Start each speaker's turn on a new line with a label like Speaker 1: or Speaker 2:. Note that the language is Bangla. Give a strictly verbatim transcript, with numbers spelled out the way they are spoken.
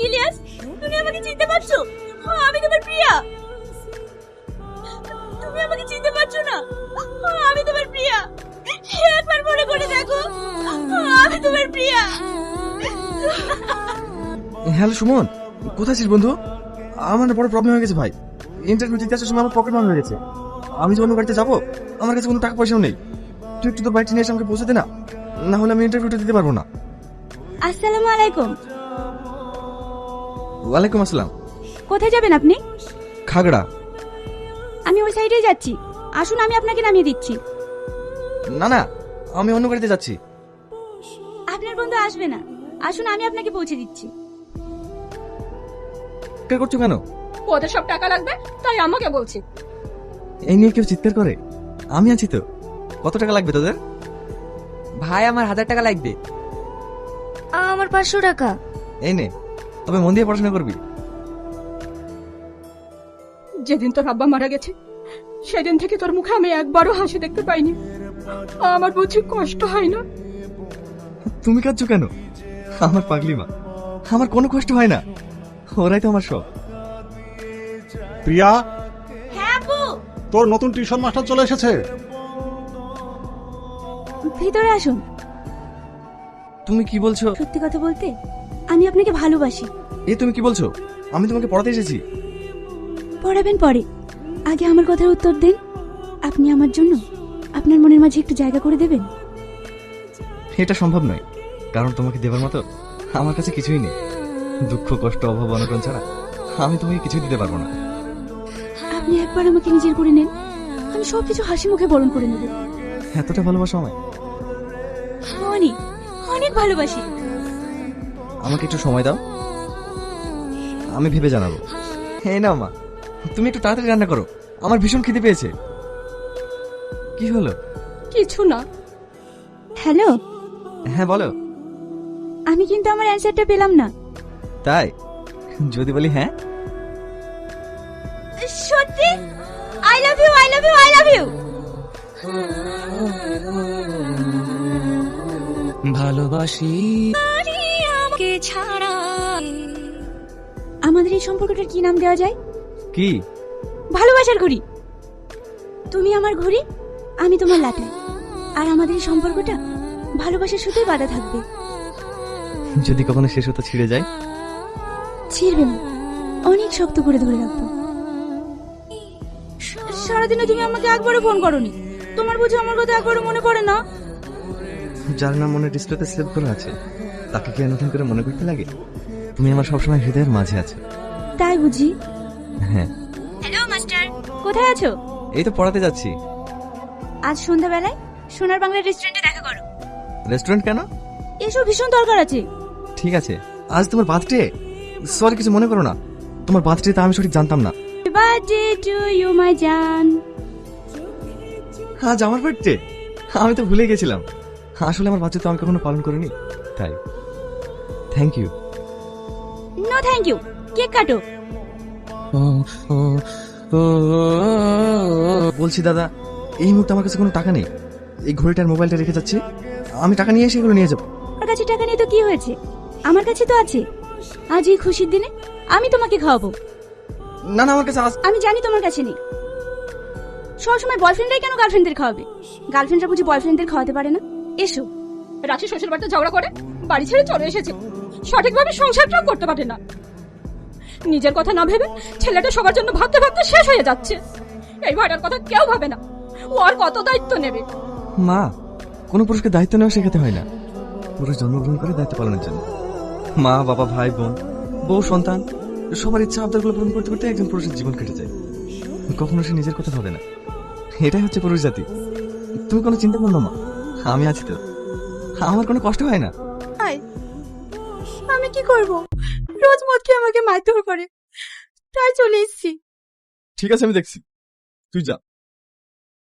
Speaker 1: ইলিয়াস, তুমি আমাকে চিনতে পারছো? আমি তোমার প্রিয়া। তুমি আমাকে চিনতে পারছো না? আমি তোমার প্রিয়া। একবার মনে করে দেখো, আমি তোমার প্রিয়া।
Speaker 2: হ্যালো সুমন, কোথায় আছিস বন্ধু? আমার না বড় প্রবলেম হয়ে গেছে ভাই। ইন্টারভিউ দিতে আসার সময় আমার পকেট মার হয়ে গেছে। আমি যে অন্য গাড়িতে যাবো, আমার কাছে কোনো টাকা পয়সাও নেই। তুই একটু তোর বাড়িতে নিয়ে এসে আমাকে পৌঁছে দে না, না হলে আমি ইন্টারভিউটা দিতে পারবো না।
Speaker 1: আসসালামু আলাইকুম।
Speaker 2: ওয়ালাইকুম আসসালাম।
Speaker 1: কোথায় যাবেন আপনি?
Speaker 2: খাগড়া।
Speaker 1: আমি ওই সাইডেই যাচ্ছি, আসুন আমি আপনাকে নামিয়ে দিচ্ছি।
Speaker 2: না না, আমি অন্য গাড়িতে যাচ্ছি।
Speaker 1: আপনার বন্ধু আসবে না, আসুন আমি আপনাকে পৌঁছে দিচ্ছি।
Speaker 2: কে করছো কেন?
Speaker 3: ওদের সব টাকা লাগবে তাই আমাকে বলছে।
Speaker 2: এই নিয়ে কেউ চিৎকার করে? আমি আছি তো। কত টাকা লাগবে তোদের?
Speaker 4: ভাই আমার হাজার টাকা লাগবে।
Speaker 1: আমার পাঁচশো টাকা।
Speaker 2: এই নে, তবে মন দিয়ে পড়াশোনা করবি।
Speaker 3: যেদিন তোর আব্বা মারা গেছে সেদিন থেকে তোর মুখে আমি একবারও হাসি দেখতে পাইনি। আমার বুঝি কষ্ট হয় না?
Speaker 2: তুমি কাঁদছো কেন? আমার পাগলি মা, আমার কোনো কষ্ট হয় না। ওরাই তো আমার সব।
Speaker 5: প্রিয়া,
Speaker 1: হ্যাঁ আপু,
Speaker 5: তোর নতুন টিউশন মাস্টার চলে এসেছে।
Speaker 1: ভিতরে আসুন।
Speaker 2: তুমি কি বলছো?
Speaker 1: সত্যি কথা বলতে আমি আপনাকে ভালোবাসি।
Speaker 2: এ তুমি কি বলছো? আমি তোমাকে পড়াতে এসেছি।
Speaker 1: পড়াবেন পরে, আগে আমার কথার উত্তর দেন। আপনি আমার জন্য আপনার মনের মাঝে একটু জায়গা করে দেবেন?
Speaker 2: এটা সম্ভব নয়, কারণ তোমাকে দেবার মতো আমার কাছে কিছুই নেই। দুঃখ, কষ্ট, অভাব, অনটন ছাড়া আমি তোমাকে কিছুই দিতে পারবো না।
Speaker 1: আপনি একবার আমাকে নিজের করে নেন, আমি সবকিছু হাসি মুখে বরণ করে নেব।
Speaker 2: এতটা ভালোবাসো আমায়?
Speaker 1: অনেক অনেক ভালোবাসি।
Speaker 2: আমাকে একটু সময় দাও, আমি ভেবে জানাবো। হ্যাঁ না মা, তুমি একটু তাড়াতাড়ি রান্না করো, আমার ভীষণ খিদে পেয়েছে। কি হলো?
Speaker 3: কিছু না।
Speaker 1: হ্যালো,
Speaker 2: হ্যাঁ বলো।
Speaker 1: আমি কিন্তু আমার অ্যানসারটা পেলাম না।
Speaker 2: তাই? যদি বলি হ্যাঁ।
Speaker 1: সত্যি? I love you, I love you, I love you.
Speaker 4: ভালোবাসি
Speaker 1: আমাকে ছাড়া। আমাদের এই সম্পর্কটার কি নাম দেওয়া যায়?
Speaker 2: কি?
Speaker 1: ভালোবাসার ঘড়ি। তুমি আমার ঘড়ি, আমি তোমার লাটাই, আর আমাদের এই সম্পর্কটা ভালোবাসার সুতোই বাঁধা থাকবে।
Speaker 2: যদি কখনো শেষ হতে ছিঁড়ে যায়?
Speaker 1: ছিড়বে না, অনেক শক্ত করে ধরে রাখবো। সারাদিনে তুমি আমাকে একবারও ফোন করোনি, তোমার বুঝি আমার কথা একবারও মনে পড়ে না?
Speaker 2: যার নাম মনে ডিসপ্লেতে সেভ করা আছে তাকে কি আর নতুন করে মনে করতে লাগে? তুমি আমার সবসময় হৃদয়ের মাঝে আছো।
Speaker 1: তাই বুঝি?
Speaker 2: হ্যাঁ।
Speaker 1: হ্যালো মাস্টার, কোথায় আছো?
Speaker 2: এই তো পড়াতে যাচ্ছি।
Speaker 1: আজ সন্ধ্যাবেলায় সোনার বাংলা রেস্টুরেন্টে দেখা করো।
Speaker 2: রেস্টুরেন্ট কেন?
Speaker 1: এসব ভীষণ দরকার আছে।
Speaker 2: ঠিক আছে। আজ তোমার বার্থডে? সরি, কিছু মনে করো না। তোমার বার্থডে তা আমি সঠিক জানতাম না।
Speaker 1: বার্থডে টু ইউ মাই জান।
Speaker 2: আজ আমার বার্থডে? আমি তো ভুলে গেছিলাম। আসলে আমার বার্থডে তো আমি কখনো পালন করিনি, তাই। Thank you.
Speaker 1: No thank you, cake কাটো।
Speaker 2: বলছি দাদা, এই মুহূর্তে আমার কাছে কোনো টাকা নেই। এই ঘড়িটার মোবাইলটা রেখে যাচ্ছি, আমি টাকা নিয়ে এসে এগুলো নিয়ে যাবো।
Speaker 1: আমার কাছে টাকা নেই তো কি হয়েছে, আমার কাছে তো আছে। আজ এই খুশির দিনে আমি তোমাকে খাওয়াবো।
Speaker 2: না না, আমার কাছে আজ।
Speaker 1: আমি জানি তোমার কাছে নেই। সবসময় বয়ফ্রেন্ডরাই কেন গার্লফ্রেন্ডদের খাওয়াবে? গার্লফ্রেন্ডরা বুঝি বয়ফ্রেন্ডদের খাওয়াতে পারে না? এসো।
Speaker 3: রাশি শ্বশুর বাড়িতে ঝগড়া করে বাড়ি ছেড়ে চলে এসেছে, সঠিকভাবে সংসারটাও করতে পারে না। নিজের কথা না ভেবে ছেলেটা সবার জন্য ভাবতে ভাবতে শেষ হয়ে যাচ্ছে। এই ভাইটার কথা কেউ ভাবে না, ও আর কত দায়িত্ব নেবে?
Speaker 2: মা, কোনো পুরুষকে দায়িত্ব নেওয়া শেখাতে হয় না। পুরুষ জন্মগ্রহণ করে দায়িত্ব পালনের জন্য। মা, বাবা, ভাই, বোন, বউ, সন্তান, সবার ইচ্ছা আবদারগুলো পূরণ করতে করতে একজন পুরুষের জীবন কেটে যায়। কখনো সে নিজের কথা ভাবে না। এটাই হচ্ছে পুরুষ জাতি। তুমি কোনো চিন্তা করো না মা, আমি আছি তো। আমার কোনো কষ্ট হয় না।
Speaker 1: আমি কি করব? রোজ মদ খেয়ে আমাকে মারধর করে, তাই চলে এসেছি।
Speaker 2: ঠিক আছে, আমি দেখছি, তুই যা।